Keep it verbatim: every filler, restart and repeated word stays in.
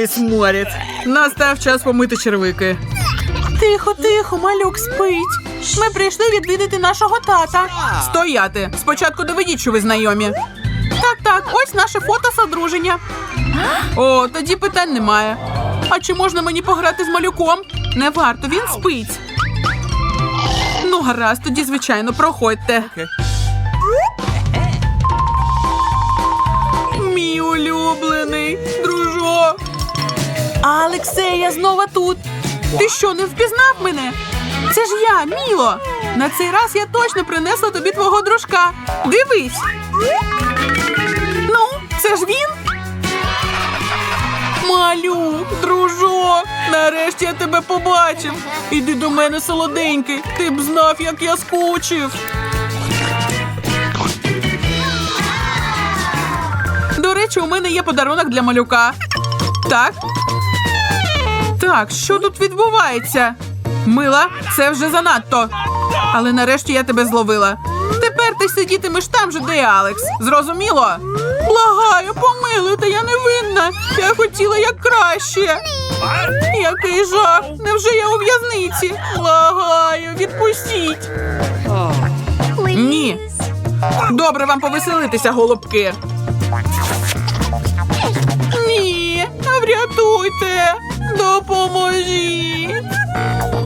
Ой, сморід. Настав час помити червики. Тихо, тихо, малюк спить. Ми прийшли відвідати нашого тата. Стояти. Спочатку доведіть, що ви знайомі. Так, так, ось наше фото з одруження. О, тоді питань немає. А чи можна мені пограти з малюком? Не варто, він спить. Ну, гаразд, тоді, звичайно, проходьте. Мій улюблений дружок. Алексе, я знову тут. Ти що, не впізнав мене? Це ж я, Міло. На цей раз я точно принесла тобі твого дружка. Дивись. Ну, це ж він? Малюк, дружок, нарешті я тебе побачив. Іди до мене, солоденький. Ти б знав, як я скучив. До речі, у мене є подарунок для малюка. Так? Так, що тут відбувається? Мила, це вже занадто. Але нарешті я тебе зловила. Тепер ти сидітимеш там же, де і Алекс. Зрозуміло? Благаю, помилуйте, я не винна. Я хотіла як краще. Який жах. Невже я у в'язниці? Благаю, відпустіть. Ні. Добре вам повеселитися, голубки. Ні, врятуйте. Допоможіть.